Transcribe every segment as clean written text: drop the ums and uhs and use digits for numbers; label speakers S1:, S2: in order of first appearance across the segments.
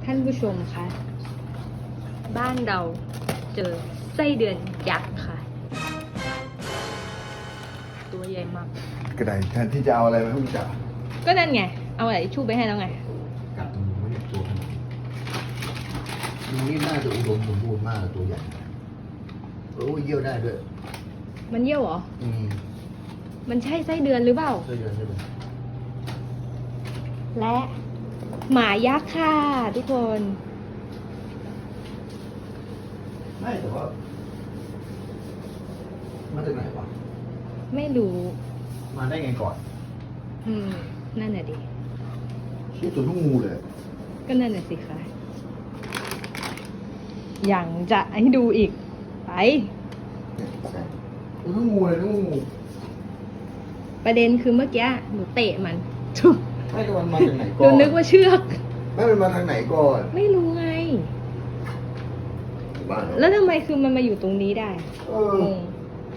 S1: ท่านผู้ชมคะบ้านเราเจอไส้เดือนยักษ์ค่ะ ตัวใหญ่มาก
S2: กระไดแทนที่จะเอาอะไรมาให้มึงจับ
S1: ก็นั่นไง เอาอะไรชู่ไปให้แล้วไง
S2: กัดตรงนี้ไม่ได้ตัวขนาดนี้ดูนี่น่าจะอุดมสมบูรณ์มากตัวใหญ่โอ้ยเยี่ยวได้ด้วย
S1: มันเยี่ยวเหรอ
S2: อืม
S1: มันใช่ไส้เดือนหรือเปล่า
S2: ใช่เลยใช่เลย
S1: และหมายักษ์ค่ะทุกคน
S2: ไม่แต่ว่ามาจากไหนวะ
S1: ไม่รู้
S2: มาได้ไงก่อน
S1: นั่นน่ะดิ
S2: ชื่อตัวลูกงูเลย
S1: ก็นั่นน่ะสิคะอย่างจะให้ดูอีก ไป
S2: เนี่ยใช่ตัวลูกงูเลยลูกงู
S1: ประเด็นคือเมื่อกี้หนูเตะมัน ทุบ
S2: ไม่แต่มันมาจากไหน
S1: ห
S2: ก่
S1: นู
S2: อน
S1: นึกว่าเชือก
S2: ไม่มันมาทางไหนก่อน
S1: ไม่รู้ไง
S2: บ้าน
S1: แล้วทำไมคือมันมาอยู่ตรงนี้ได้
S2: เออง
S1: ง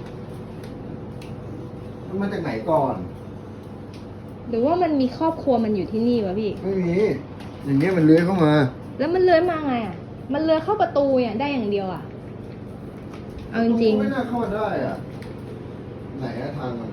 S2: มันมาจากไหนก่อน
S1: หรือว่ามันมีครอบครัวมันอยู่ที่นี่วะพี่
S2: ไม่มี อย่างเงี้ยมันเลื้อยเข้ามา
S1: แล้วมันเลื้อยมาไงอ่ะ มันเลื้อยเข้าประตูเนี่ยได้อย่างเดียวอ่ะ เอาจริง
S2: ไม่น่าเข้ามาได้อ่ะ ไหนอะทางมัน